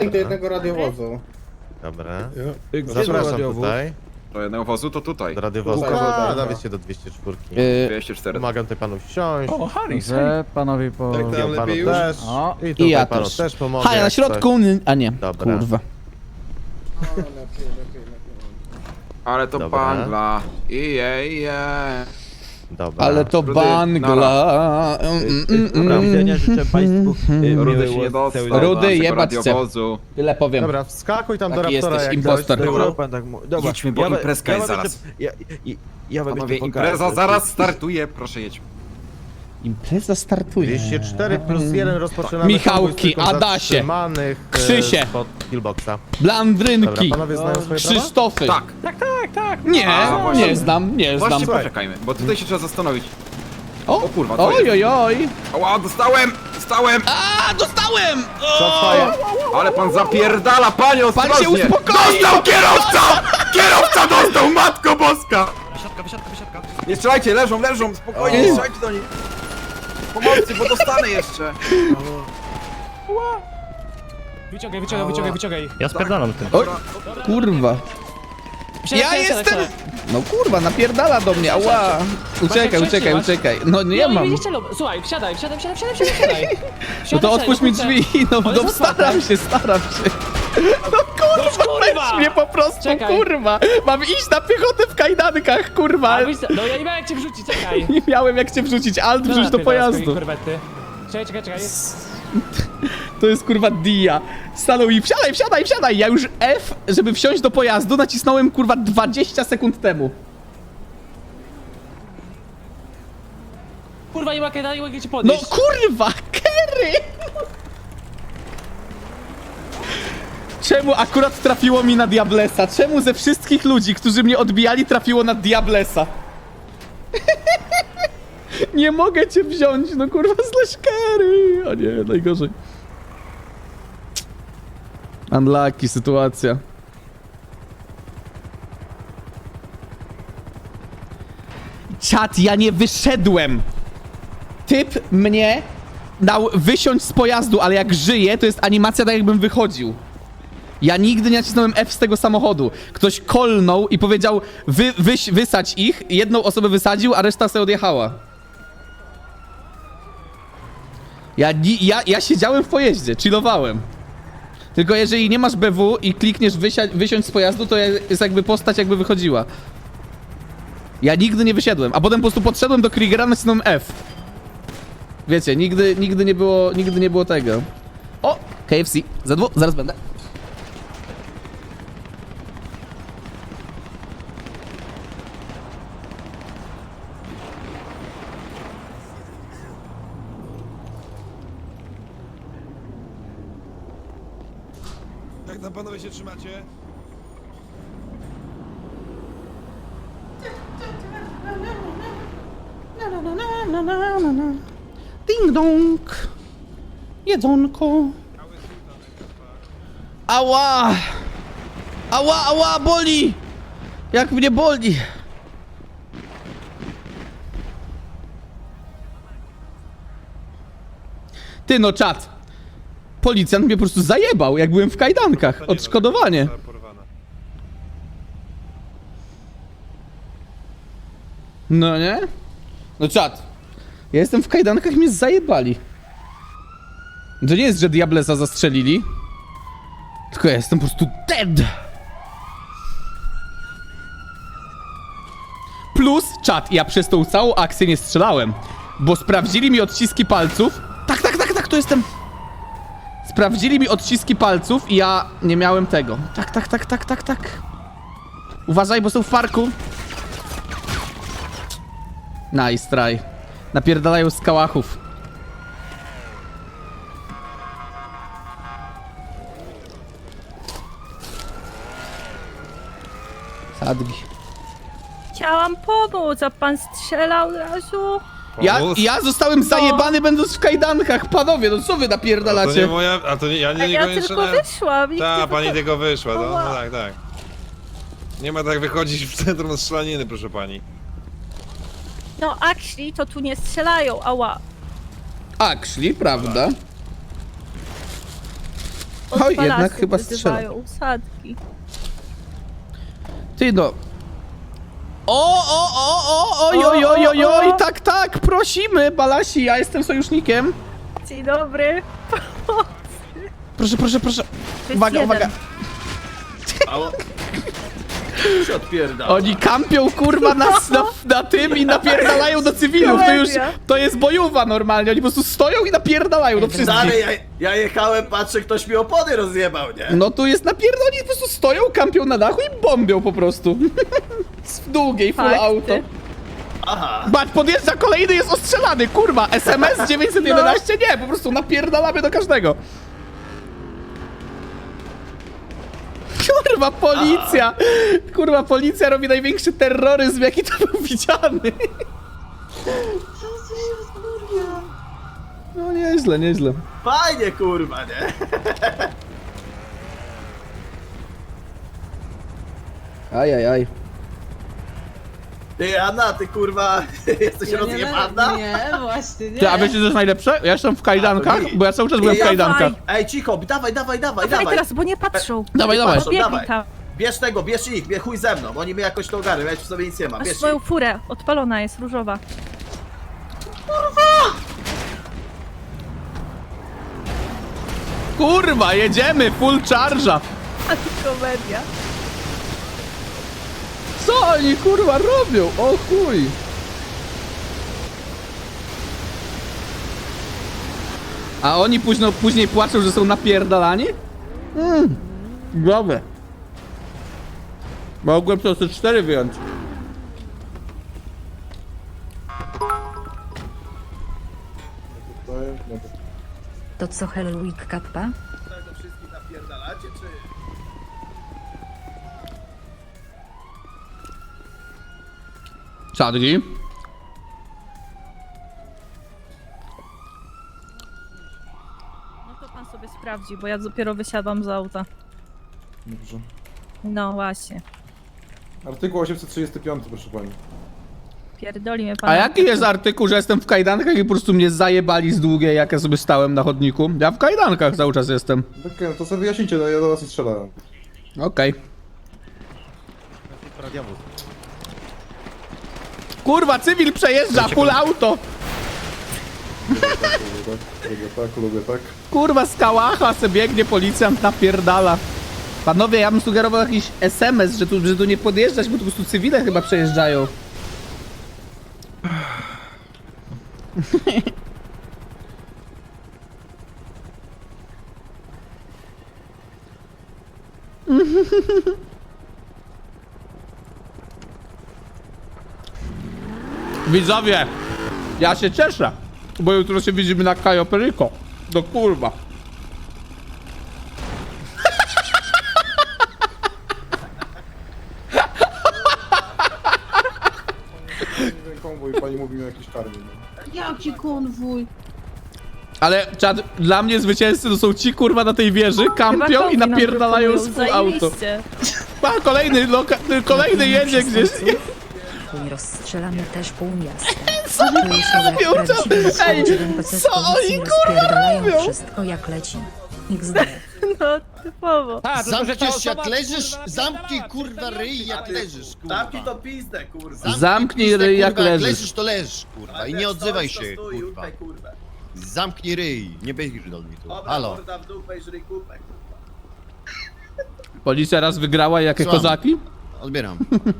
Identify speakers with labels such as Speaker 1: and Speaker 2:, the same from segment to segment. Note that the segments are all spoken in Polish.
Speaker 1: do jednego radiowozu.
Speaker 2: Dobra.
Speaker 3: Gdzie
Speaker 2: Zapraszam
Speaker 3: radiowóz?
Speaker 2: tutaj.
Speaker 4: Do jednego wozu to tutaj.
Speaker 2: Do radiowozu.
Speaker 1: Tutaj,
Speaker 2: A,
Speaker 1: dobra.
Speaker 2: nawet się do 204.
Speaker 4: 204.
Speaker 2: Pomagam tutaj panu wsiąść.
Speaker 3: O, Harry,
Speaker 5: Że panowie po...
Speaker 1: Tak,
Speaker 2: Ja panu
Speaker 1: lepiej
Speaker 2: też.
Speaker 5: O,
Speaker 2: I tutaj
Speaker 5: ja
Speaker 2: panu
Speaker 5: też.
Speaker 2: też pomogę.
Speaker 5: Haja na
Speaker 2: jak
Speaker 5: środku, a nie,
Speaker 2: Dobra.
Speaker 5: kurwa.
Speaker 1: O, lepiej.
Speaker 4: Ale to
Speaker 2: Dobra.
Speaker 4: bangla. Ije.
Speaker 2: coś. Dobra.
Speaker 5: Ale to
Speaker 4: Rudy,
Speaker 5: bangla.
Speaker 3: Do widzenia, życzę państwu
Speaker 4: Rudy się nie
Speaker 3: miłego
Speaker 4: dostał.
Speaker 3: cały
Speaker 5: Rudy,
Speaker 4: naszego
Speaker 5: jebać cię.
Speaker 4: radiowozu.
Speaker 5: Tyle powiem.
Speaker 2: Dobra, wskakuj tam
Speaker 5: Taki
Speaker 2: do raptora
Speaker 5: jesteś,
Speaker 2: jak
Speaker 5: impostor.
Speaker 2: ktoś.
Speaker 3: Dobra, pan tak dobra.
Speaker 4: Jedźmy, bo imprezka jest
Speaker 3: wam
Speaker 4: zaraz.
Speaker 3: jeszcze- Ja wam
Speaker 4: Panowie,
Speaker 3: jeszcze pokażę.
Speaker 4: impreza zaraz startuje, proszę jedź.
Speaker 5: Impreza startuje.
Speaker 2: 204 plus 1 rozpoczynamy.
Speaker 5: Michałki,
Speaker 2: konwój tylko
Speaker 5: Adasie,
Speaker 2: zatrzymanych,
Speaker 5: Krzysie.
Speaker 2: Spod killboxa. Dobra,
Speaker 5: Blandrynki.
Speaker 2: panowie znają swoje prawa?
Speaker 5: Krzysztofy.
Speaker 4: Tak.
Speaker 5: Nie,
Speaker 4: A, właśnie.
Speaker 5: nie znam, nie znam.
Speaker 4: Właśnie poczekajmy, bo tutaj się trzeba zastanowić.
Speaker 5: O,
Speaker 4: O kurwa, co
Speaker 5: oj,
Speaker 4: jest?
Speaker 5: oj, oj.
Speaker 4: Ała, dostałem!
Speaker 5: A, dostałem!
Speaker 2: Shotfire.
Speaker 4: Ale pan zapierdala, panie,
Speaker 5: Pan się
Speaker 4: ostrożnie!
Speaker 5: uspokoi!
Speaker 4: Dostał kierowca! Kierowca dostał, matko boska!
Speaker 3: Wysiadka.
Speaker 4: Nie strzelajcie, leżą, spokojnie, nie strzelajcie do nich. Pomocy, bo dostanę jeszcze.
Speaker 6: Wyciągaj. Ja spierdalam tym.
Speaker 5: Oj, kurwa. Ja jestem... No kurwa, napierdala do mnie, ała. Uciekaj. No nie mam.
Speaker 6: Słuchaj, wsiadaj.
Speaker 5: No to otwórz mi drzwi, no staram się. No kurwa, weź mnie po prostu,
Speaker 6: Czekaj.
Speaker 5: kurwa. Mam iść na piechotę w kajdankach, kurwa.
Speaker 6: No ja nie miałem jak cię wrzucić, czekaj.
Speaker 5: Nie miałem jak cię wrzucić, alt wrzuć do pojazdu.
Speaker 6: Korwety. Czekaj.
Speaker 5: To jest kurwa dia. Stanął i wsiadaj. Ja już F, żeby wsiąść do pojazdu, nacisnąłem kurwa 20 sekund temu.
Speaker 6: Kurwa, nie mogę cię
Speaker 5: No
Speaker 6: podnieść.
Speaker 5: kurwa, Kerry! Czemu akurat trafiło mi na Diablesa? Czemu ze wszystkich ludzi, którzy mnie odbijali, trafiło na Diablesa? Nie mogę cię wziąć, no kurwa, slash Kerry! O nie, najgorzej. Unlucky sytuacja. Czat, ja nie wyszedłem! Typ mnie dał wysiąść z pojazdu, ale jak żyje, to jest animacja tak jakbym wychodził. Ja nigdy nie nacisnąłem F z tego samochodu. Ktoś kolnął i powiedział wysadź ich, jedną osobę wysadził, a reszta sobie odjechała. Ja siedziałem w pojeździe, chillowałem. Tylko jeżeli nie masz BW i klikniesz wysiąść z pojazdu, to jest jakby postać jakby wychodziła. Ja nigdy nie wysiadłem, a potem po prostu podszedłem do Kriegera, nacisnąłem F. Wiecie, nigdy nie było tego. O! KFC. Zaraz będę.
Speaker 3: Jak tam panowie się trzymacie?
Speaker 5: Ding dong. Jedzonko. Ała! Ała, boli! Jak mnie boli! Ty no czat! Policjant mnie po prostu zajebał, jak byłem w kajdankach. Odszkodowanie. No nie? No czat. Ja jestem w kajdankach i mnie zajebali. To nie jest, że Diablesa zastrzelili. Tylko ja jestem po prostu dead. Plus, czat, ja przez tą całą akcję nie strzelałem. Bo sprawdzili mi odciski palców. Tak, to jestem. Sprawdzili mi odciski palców i ja nie miałem tego. Tak. Uważaj, bo są w parku. Nice try. Napierdalają z kałachów. Sadgi.
Speaker 7: Chciałam pomóc, a pan strzelał od razu.
Speaker 5: Ja zostałem zajebany będąc w kajdankach. Panowie, no co wy
Speaker 8: To nie
Speaker 5: napierdalacie?
Speaker 8: moja, a to nie, ja
Speaker 7: A
Speaker 8: nie
Speaker 7: ja
Speaker 8: niekoniecznie...
Speaker 7: tylko wyszłam. nikt
Speaker 8: Tak,
Speaker 7: nie
Speaker 8: pani
Speaker 7: wycho-
Speaker 8: tylko wyszła, no,
Speaker 7: Ała.
Speaker 8: no tak. Nie ma tak wychodzić w centrum strzelaniny, proszę pani.
Speaker 7: No, actually, to tu nie strzelają, ała.
Speaker 5: Actually, prawda?
Speaker 7: Od
Speaker 5: jednak
Speaker 7: palasu
Speaker 5: chyba
Speaker 7: wyzywają usadki.
Speaker 5: Ty no. Oj, tak, prosimy, Balasi, ja jestem sojusznikiem.
Speaker 7: Dzień dobry.
Speaker 5: Proszę.
Speaker 7: To jest
Speaker 5: Uwaga.
Speaker 7: jeden.
Speaker 4: Się odpierdala.
Speaker 5: Oni kampią, kurwa, na tym i napierdalają do cywilów. To jest bojowa normalnie. Oni po prostu stoją i napierdalają do wszystkich.
Speaker 4: Stary, ja jechałem, patrzę, ktoś mi opony rozjebał, nie?
Speaker 5: No tu jest napierdol, oni po prostu stoją, kampią na dachu i bombią po prostu. W długiej, full
Speaker 7: Fakty.
Speaker 5: auto.
Speaker 4: Aha.
Speaker 5: Bać, podjeżdża kolejny, jest ostrzelany, kurwa. SMS 911? Nie, po prostu napierdalamy do każdego. Kurwa, policja! Kurwa, policja robi największy terroryzm, jaki to był widziany. No nieźle.
Speaker 4: Fajnie, kurwa, nie?
Speaker 5: Ajajaj.
Speaker 4: Ty, Anna, ty kurwa, jesteś rozjebana?
Speaker 9: Nie, właśnie nie.
Speaker 5: Ty, a wiecie, co jest najlepsze? Ja jestem w kajdankach, bo ja cały czas byłem w
Speaker 4: Ja-
Speaker 5: kajdankach.
Speaker 4: Ej, cicho, dawaj.
Speaker 7: Dawaj teraz, bo nie patrzą.
Speaker 5: Dawaj.
Speaker 4: Patrzą,
Speaker 7: Biegnij
Speaker 4: dawaj.
Speaker 7: tam.
Speaker 4: Bierz ich, chuj ze mną, oni mnie jakoś to ogarnią, ja ci w sobie nic nie mam,
Speaker 7: Masz
Speaker 4: bierz
Speaker 7: swoją
Speaker 4: ich.
Speaker 7: furę. Odpalona jest, różowa.
Speaker 5: Kurwa, jedziemy, full charge'a.
Speaker 7: A to komedia.
Speaker 5: Co oni, kurwa, robią? O chuj. A oni później płaczą, że są napierdalani? Dobre. Mogłem to 4 wyjąć.
Speaker 9: To co Hellweek Kappa?
Speaker 4: To wszystkich napierdalacie, czy...
Speaker 5: Sadgi.
Speaker 7: No to pan sobie sprawdzi, bo ja dopiero wysiadłam z auta.
Speaker 1: Dobrze.
Speaker 7: No właśnie.
Speaker 1: Artykuł 835, proszę pani.
Speaker 7: Pierdoli mnie pan.
Speaker 5: A jaki jest artykuł, że jestem w kajdankach i po prostu mnie zajebali z długiej, jak ja sobie stałem na chodniku? Ja w kajdankach cały czas jestem.
Speaker 1: Okej, no to sobie wyjaśnijcie, no ja do was nie strzelałem.
Speaker 5: Okej. Kurwa, cywil przejeżdża, full auto!
Speaker 1: Lubię tak.
Speaker 5: Kurwa, z kałacha se biegnie, policjant napierdala. Panowie, ja bym sugerował jakiś SMS, że tu nie podjeżdżać, bo tu po prostu cywile chyba przejeżdżają. Widzowie, ja się cieszę, bo jutro się widzimy na Cayo Perico. Do kurwa.
Speaker 1: Konwój, pani mówi mi o jakiejś karmie. No.
Speaker 9: Jaki konwój?
Speaker 5: Ale czad, dla mnie zwycięzcy to są ci kurwa na tej wieży, kampią i napierdalają z full auto.
Speaker 7: Zajebiście.
Speaker 5: Pa, kolejny jedzie gdzieś.
Speaker 9: I rozstrzelamy też pół miasta.
Speaker 5: Co oni robią? Ej, co oni kurwa robią?
Speaker 9: Wszystko jak leci. XD.
Speaker 7: No, typowo.
Speaker 10: Zamkniesz jak leżysz, zamknij kurwa ryj jak leżysz, kurwa.
Speaker 4: Zamknij to pizdę, kurwa.
Speaker 5: Zamknij ryj jak
Speaker 10: kurwa,
Speaker 5: leżysz.
Speaker 10: leżysz to leżysz, kurwa, i nie odzywaj się,
Speaker 4: Stój,
Speaker 10: kurwa.
Speaker 4: upaj, kurwa.
Speaker 10: Zamknij ryj, nie będziesz do mnie tu.
Speaker 4: Dobra,
Speaker 10: Halo.
Speaker 4: morda w dupę i żryj kupę, kurwa.
Speaker 5: Policja raz wygrała, jakie
Speaker 10: Słucham.
Speaker 5: kozaki?
Speaker 10: Odbieram.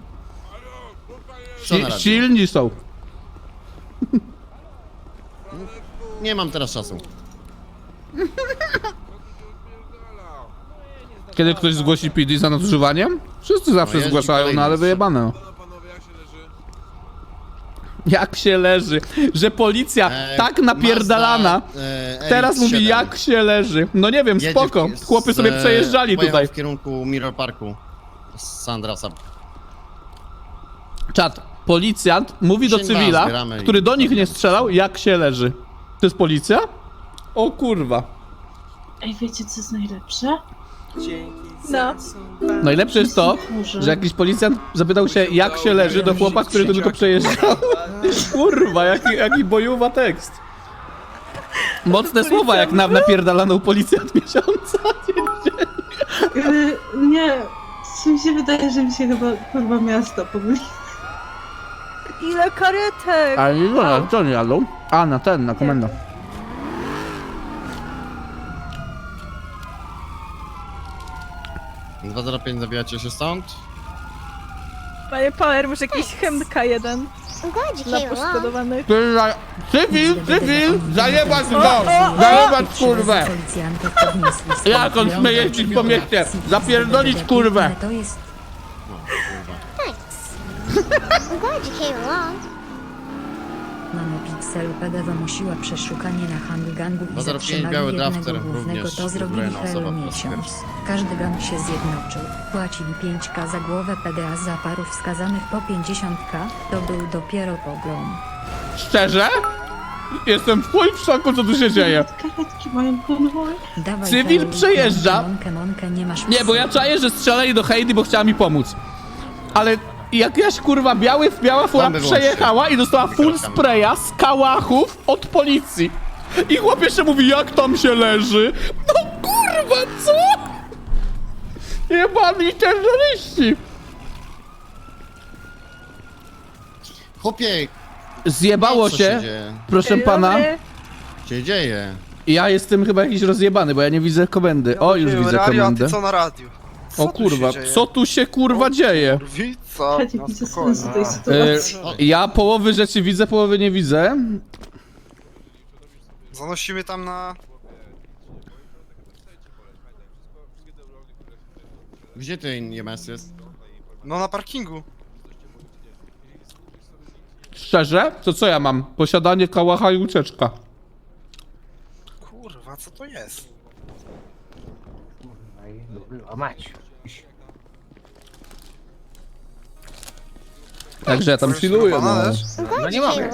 Speaker 10: Co na radio?
Speaker 5: Silni są.
Speaker 10: Nie mam teraz czasu.
Speaker 5: Kiedy ktoś zgłosi PD za nadużywaniem? Wszyscy zawsze
Speaker 10: No jest
Speaker 5: zgłaszają,
Speaker 10: kolejny
Speaker 5: no ale
Speaker 10: jest.
Speaker 5: wyjebane.
Speaker 8: No panowie, jak się leży?
Speaker 5: Jak się leży? Że policja tak napierdalana teraz mówi jak się leży. No nie wiem, spoko. Chłopy sobie przejeżdżali tutaj.
Speaker 10: w kierunku Mirror Parku. Z Sandrasa.
Speaker 5: Czad, policjant mówi do
Speaker 10: Księga
Speaker 5: cywila,
Speaker 10: zbieramy i-
Speaker 5: który do nich nie strzelał, jak się leży. To jest policja? O kurwa.
Speaker 9: Ej, wiecie co jest najlepsze?
Speaker 7: No.
Speaker 5: Najlepsze jest to, że jakiś policjant zapytał się, jak się leży do chłopa, który tu tylko przejeżdżał. Kurwa, jaki bojowa tekst. Mocne słowa, jak na napierdalaną policjant miesiąca. Dzień
Speaker 9: Ale nie, mi się wydaje, że mi się chyba kurwa miasto pomyli.
Speaker 7: Ile karetek!
Speaker 5: Ale nie wiem, co oni jadą? A, na komendę.
Speaker 10: Dwa 205 zabijacie się stąd?
Speaker 7: Panie Power, może jakiś chemka jeden dla poszkodowanych.
Speaker 5: Cywil! Zajebać go! Zajebać kurwę! Jak on śmie jeździć po mieście? Zapierdolić kurwę!
Speaker 9: To jest Nanopixel PD wymusiła przeszukanie na handgangu i
Speaker 10: 205
Speaker 9: zatrzymali
Speaker 10: biały
Speaker 9: jednego
Speaker 10: drafter
Speaker 9: głównego.
Speaker 10: również
Speaker 9: To zrobili
Speaker 10: uzbrojona osoba
Speaker 9: Halo
Speaker 10: po raz
Speaker 9: miesiąc.
Speaker 10: pierwszy.
Speaker 9: Każdy gang się zjednoczył. Płacili 5K za głowę PDA za parów wskazanych po 50K. To był dopiero pogrom.
Speaker 5: Szczerze? Jestem w chuj w szoku, co tu się dzieje.
Speaker 9: Karetki mają konwoj. Dawaj,
Speaker 5: Cywil
Speaker 9: Halo,
Speaker 5: przejeżdża.
Speaker 9: Monkę, nie masz
Speaker 5: Nie, bo ja czaję, że strzelali do Heidi, bo chciała mi pomóc. Ale jakaś kurwa biała fura
Speaker 10: Bomby włączcie.
Speaker 5: przejechała i dostała full spraya z kałachów od policji. I chłop jeszcze mówi, jak tam się leży. No kurwa, co? Jebani terroryści.
Speaker 10: Chłopie,
Speaker 5: Zjebało
Speaker 10: co
Speaker 5: się,
Speaker 10: dzieje?
Speaker 5: proszę pana.
Speaker 10: Co się dzieje?
Speaker 5: Ja jestem chyba jakiś rozjebany, bo ja nie widzę komendy. O, już widzę komendę.
Speaker 4: na radiu?
Speaker 5: O kurwa, co tu się kurwa dzieje?
Speaker 4: Co?
Speaker 9: Ja nie widzę sensu tej sytuacji.
Speaker 5: Ja połowy rzeczy widzę, połowy nie widzę.
Speaker 4: Zanosimy tam na...
Speaker 10: Gdzie ten EMS jest?
Speaker 4: No na parkingu.
Speaker 5: Szczerze? To co ja mam? Posiadanie kałacha i ucieczka.
Speaker 4: Kurwa, co to jest?
Speaker 5: Także ja tam chilluję, no.
Speaker 6: No nie mogę.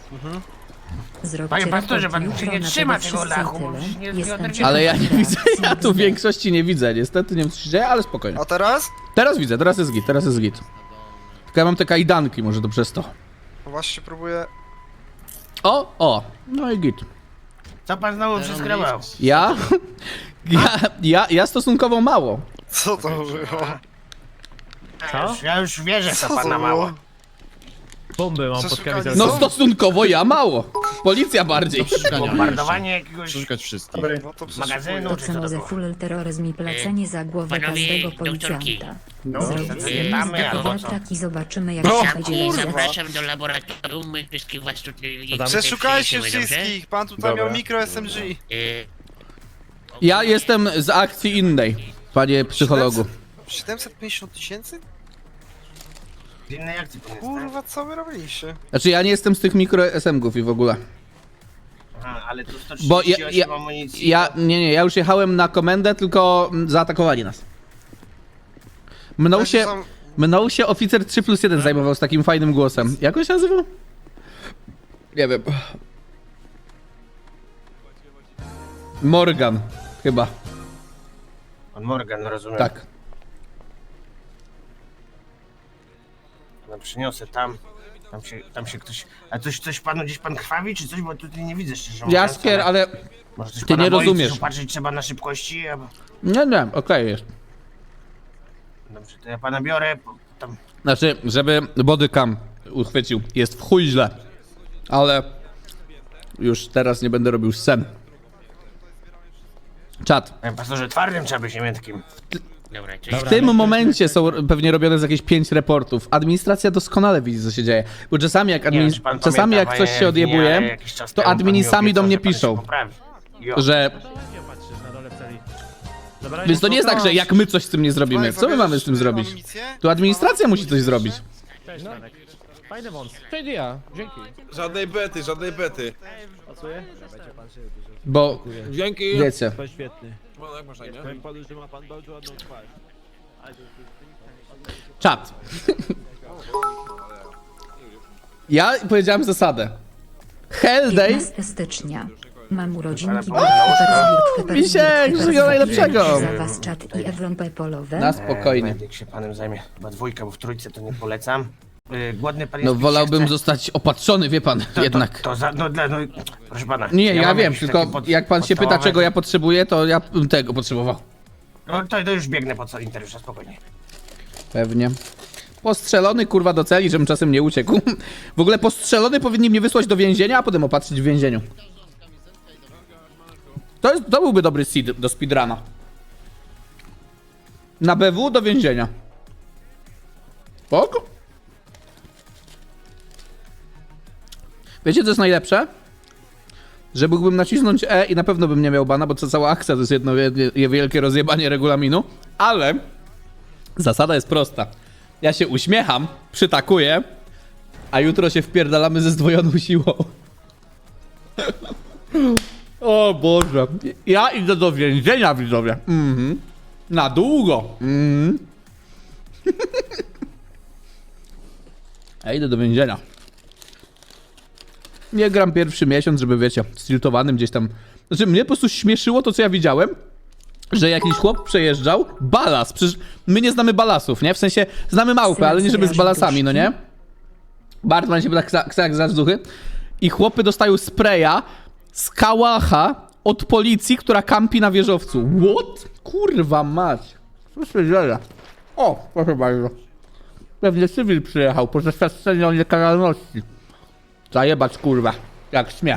Speaker 9: Panie
Speaker 6: pastorze, pan się nie trzyma tego lachu, bo przecież nie oderwie-
Speaker 5: Ale ja nie widzę, ja tu większości nie widzę. Niestety nie wiem co się dzieje, ale spokojnie.
Speaker 4: A teraz?
Speaker 5: Teraz widzę, teraz jest git, teraz jest git. Tylko ja mam te kajdanki, może to przez to.
Speaker 4: Właśnie próbuję...
Speaker 5: O, no i git.
Speaker 6: Co pan znowu przeskrobał?
Speaker 5: Ja stosunkowo mało.
Speaker 4: Co to było?
Speaker 6: Ja już wierzę,
Speaker 4: Co to było?
Speaker 2: Bomby mam
Speaker 4: pod kamizelką.
Speaker 5: No stosunkowo ja mało. Policja bardziej.
Speaker 6: bombardowanie jakiegoś
Speaker 10: Przeszukać wszystkich.
Speaker 4: No to
Speaker 6: magazynu,
Speaker 9: To
Speaker 6: czy co to
Speaker 9: za
Speaker 6: było?
Speaker 9: full terroryzm i plecenie za głowę każdego policjanta. Zrobić
Speaker 6: Zapytamy, albo co?
Speaker 9: zdjęcie i zobaczymy jak
Speaker 4: No,
Speaker 9: się będzie
Speaker 4: kurwa.
Speaker 9: zapraszam.
Speaker 6: do laboratorium, my wszystkich was tutaj...
Speaker 4: Przeszukajcie wszystkich! Pan tutaj miał mikro SMG.
Speaker 5: Ja jestem z akcji innej, panie psychologu.
Speaker 4: 750 tysięcy?
Speaker 6: Z innej akcji pan jest, tak?
Speaker 4: Kurwa, co wy robiliście?
Speaker 5: Znaczy ja nie jestem z tych mikro SMG-ów i w ogóle.
Speaker 6: Aha, ale tu
Speaker 5: Bo
Speaker 6: 138 amunicji.
Speaker 5: Nie, ja już jechałem na komendę, tylko zaatakowali nas. Mną się oficer 3+1 zajmował z takim fajnym głosem. Jak on się nazywał? Nie wiem. Morgan, chyba.
Speaker 6: Pan Morgan, rozumiem.
Speaker 5: Tak.
Speaker 6: No przyniosę tam. Tam się ktoś... A coś panu gdzieś pan krwawi, czy coś? Bo tutaj nie widzę szczerze mówiąc.
Speaker 5: Jaskier, ale...
Speaker 6: Może coś
Speaker 5: ty
Speaker 6: pana
Speaker 5: nie
Speaker 6: boi,
Speaker 5: rozumiesz.
Speaker 6: coś Patrzeć trzeba na szybkości, albo...
Speaker 5: Nie, okej jest.
Speaker 6: Dobrze, to ja pana biorę, tam...
Speaker 5: Znaczy, żeby bodycam uchwycił, jest w chuj źle. Ale... już teraz nie będę robił scen. Czat.
Speaker 6: Panie pastorze, twardym trzeba być, nie miętkim.
Speaker 5: W tym momencie są pewnie robione z jakieś 5 reportów. Administracja doskonale widzi, co się dzieje. Bo czasami jak,
Speaker 6: Nie wiem, czy pan
Speaker 5: czasami jak
Speaker 6: pamięta,
Speaker 5: coś się
Speaker 6: panie
Speaker 5: odjebuje,
Speaker 6: Ewiniarze, jakiś czas
Speaker 5: to
Speaker 6: temu pan
Speaker 5: admini
Speaker 6: mi
Speaker 5: sami do
Speaker 6: obiecał,
Speaker 5: mnie
Speaker 6: że pan się
Speaker 5: piszą,
Speaker 6: poprawi. Jo.
Speaker 5: że... Więc to nie jest tak, że jak my coś z tym nie zrobimy. Co my mamy z tym zrobić? Tu administracja musi coś zrobić.
Speaker 2: Fajny wąs. To idea, dzięki.
Speaker 8: Żadnej bety, żadnej bety.
Speaker 5: Bo,
Speaker 8: Dzięki.
Speaker 5: wiecie,
Speaker 2: To świetny.
Speaker 8: No, jak można, nie?
Speaker 2: Powiem panu, że ma pan bardzo ładną twarz.
Speaker 5: czat. Ja powiedziałem zasadę. Hell Day
Speaker 9: 15 stycznia. Mam urodzinki.
Speaker 5: Misiek, wszystkiego najlepszego.
Speaker 9: Za was czat i Ewron Pepolowe.
Speaker 5: na spokojnie.
Speaker 6: Medyk się panem zajmie. Chyba dwójka, bo w trójce to nie polecam. Głodny pan jest.
Speaker 5: No
Speaker 6: pić
Speaker 5: wolałbym
Speaker 6: chce?
Speaker 5: zostać opatrzony, wie pan, jednak.
Speaker 6: No, proszę pana.
Speaker 5: Nie, ja
Speaker 6: mam
Speaker 5: wiem,
Speaker 6: jakiś
Speaker 5: tylko
Speaker 6: taki
Speaker 5: jak pan się pyta,
Speaker 6: podstawowy-
Speaker 5: czego ja potrzebuję, to ja bym tego potrzebował.
Speaker 6: No to już biegnę po solitariusza, spokojnie.
Speaker 5: Pewnie. Postrzelony kurwa do celi, żebym czasem nie uciekł. W ogóle postrzelony powinni mnie wysłać do więzienia, a potem opatrzyć w więzieniu. To byłby dobry seed do speedruna. Na BW do więzienia. Spoko. Wiecie co jest najlepsze? Że mógłbym nacisnąć E i na pewno bym nie miał bana, bo to cała akcja to jest jedno wielkie rozjebanie regulaminu. Ale zasada jest prosta. Ja się uśmiecham, przytakuję, a jutro się wpierdalamy ze zdwojoną siłą. O Boże. Ja idę do więzienia, widzowie. Na długo. Ja idę do więzienia. Nie gram pierwszy miesiąc, żeby wiecie, stiltowanym gdzieś tam. Znaczy mnie po prostu śmieszyło to, co ja widziałem, że jakiś chłop przejeżdżał balas. Przecież my nie znamy balasów, nie? W sensie znamy małpę, ale nie żeby z balasami, no nie? Bartman się tak za duchy. I chłopy dostają spraya z kałacha od policji, która kampi na wieżowcu. What? Kurwa mać. Co się dzieje? O, proszę bardzo. Pewnie cywil przyjechał po zaświadczeniu o niekaralności. Zajebać kurwa, jak śmie.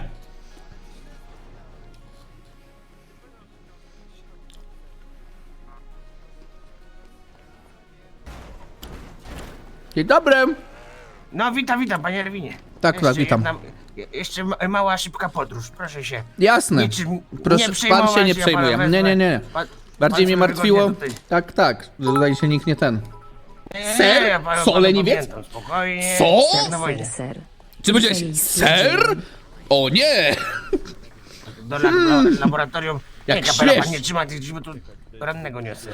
Speaker 5: Dzień dobry.
Speaker 6: No witam, panie Erwinie.
Speaker 5: Tak, witam.
Speaker 6: Jeszcze mała, szybka podróż, proszę się.
Speaker 5: Jasne.
Speaker 6: Niczym
Speaker 5: Proszę,
Speaker 6: nie przejmować,
Speaker 5: pan się nie
Speaker 6: ja
Speaker 5: przejmuje.
Speaker 6: pana
Speaker 5: Nie.
Speaker 6: wezmę.
Speaker 5: Bardziej mnie
Speaker 6: sobie
Speaker 5: martwiło.
Speaker 6: wygodnie
Speaker 5: Tak, że tutaj się nikt nie ten.
Speaker 6: Nie,
Speaker 5: Ser?
Speaker 6: ja panu
Speaker 5: Soleniwiec?
Speaker 6: pamiętam, spokojnie.
Speaker 5: Co?
Speaker 6: Jak na wojnie.
Speaker 9: Ser.
Speaker 5: Czy powiedziałeś ser? O nie!
Speaker 6: Do laboratorium.
Speaker 5: Jak
Speaker 6: Nie, kapela,
Speaker 5: śmiesz.
Speaker 6: pan nie trzyma tych drzwi, bo tu rannego niosę.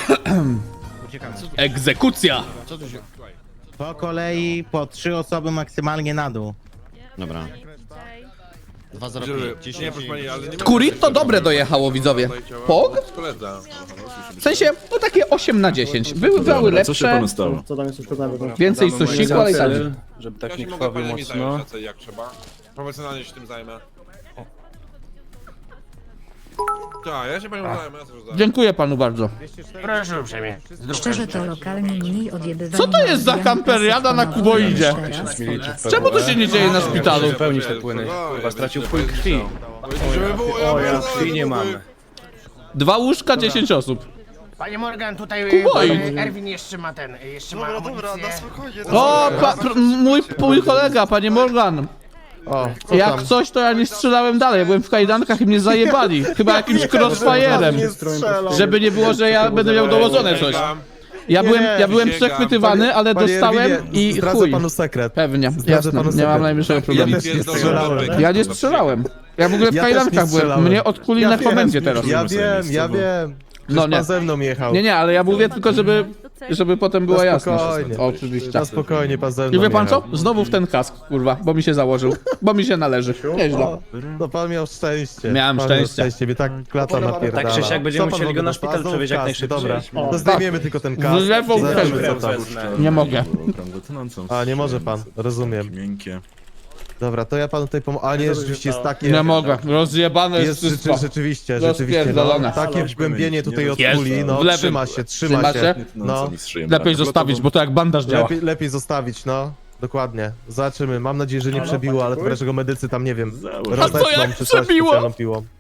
Speaker 5: Egzekucja!
Speaker 10: Po kolei, po 3 osoby maksymalnie na dół.
Speaker 4: Dobra.
Speaker 10: 2,05.
Speaker 8: Nie, proszę pani, ale nie
Speaker 5: Kuritto dobre dojechało, widzowie. Pog?
Speaker 8: Koledza.
Speaker 5: W sensie, no takie 8/10. Były lepsze,
Speaker 4: stało?
Speaker 1: Co tam jest uszkodzone?
Speaker 5: więcej sosiku, ale i tak.
Speaker 4: Żeby
Speaker 8: Ja się mogę paniami zająć, jak trzeba. Profesjonalnie się tym zajmę. Tak, ja się panią zajmę, ja sobie zajmę.
Speaker 5: Dziękuję panu bardzo.
Speaker 6: Proszę uprzejmie.
Speaker 9: Szczerze to lokalnie mniej odjebywania.
Speaker 5: Co to jest za kamperiada na kuboidzie? Czemu to się nie dzieje na szpitalu?
Speaker 8: Pełnić te płyny. Chyba stracił wpływ krwi. Żeby było, krwi nie mamy.
Speaker 5: 2 łóżka, 10 osób.
Speaker 6: Panie Morgan, tutaj
Speaker 5: Kuboid.
Speaker 6: Erwin jeszcze ma amunicję.
Speaker 5: O, mój kolega, panie Morgan. Jak coś, to ja nie strzelałem dalej. Ja byłem w kajdankach i mnie zajebali. Chyba jakimś crossfire'em. Żeby nie było, że ja będę miał dołożone coś. Ja byłem przechwytywany, ale dostałem i chuj.
Speaker 4: panu sekret.
Speaker 5: Pewnie, jasne, nie mam najmniejszego problemu. Ja nie strzelałem. Ja w ogóle w
Speaker 4: Ja też nie
Speaker 5: kajdankach byłem.
Speaker 4: strzelałem.
Speaker 5: Mnie odkuli na komendzie teraz.
Speaker 4: Ja wiem.
Speaker 5: No nie.
Speaker 4: Pan ze mną jechał.
Speaker 5: Nie, ale ja mówię tylko, żeby potem była
Speaker 4: Na
Speaker 5: jasność.
Speaker 4: spokojnie.
Speaker 5: Oczywiście.
Speaker 4: Na spokojnie, pan ze mną
Speaker 5: I wie pan co?
Speaker 4: jechał.
Speaker 5: Znowu w ten kask, kurwa, bo mi się założył. Bo mi się należy. Nieźle.
Speaker 4: No pan miał szczęście.
Speaker 5: Miałem
Speaker 4: pan
Speaker 5: szczęście.
Speaker 4: Miał szczęście, mnie tak klata napierdala.
Speaker 1: Tak czy siak będziemy
Speaker 4: Co pan
Speaker 1: musieli go
Speaker 4: w
Speaker 1: na
Speaker 4: ogóle
Speaker 1: szpital
Speaker 4: znowu
Speaker 1: przewieźć jak
Speaker 4: kask,
Speaker 1: najszybciej.
Speaker 4: Dobra,
Speaker 5: O,
Speaker 4: to zdejmiemy tylko ten kask.
Speaker 5: Z lewą
Speaker 4: Zobaczymy,
Speaker 5: krew.
Speaker 4: co tam.
Speaker 5: Nie mogę.
Speaker 4: A, nie może pan, rozumiem.
Speaker 11: Miękkie.
Speaker 4: Dobra, to ja panu tutaj pomogę. A nie, rzeczywiście jest takie...
Speaker 5: Nie mogę. Rozjebane jest
Speaker 4: Jest
Speaker 5: wszystko.
Speaker 4: rzeczywiście,
Speaker 5: Rozpierdolone.
Speaker 4: no, takie wgłębienie tutaj od
Speaker 5: Jest.
Speaker 4: kuli, no
Speaker 5: W lewym.
Speaker 4: trzyma się.
Speaker 5: Trzyma się?
Speaker 4: No,
Speaker 5: Lepiej zostawić, bo to jak bandaż działa.
Speaker 4: lepiej zostawić, no. Dokładnie. Zobaczymy. Mam nadzieję, że nie przebiło, ale to dlaczego medycy tam, nie wiem,
Speaker 5: A co
Speaker 4: rozetną
Speaker 5: jak
Speaker 4: czy coś
Speaker 5: przebiło?
Speaker 4: specjalną piłą.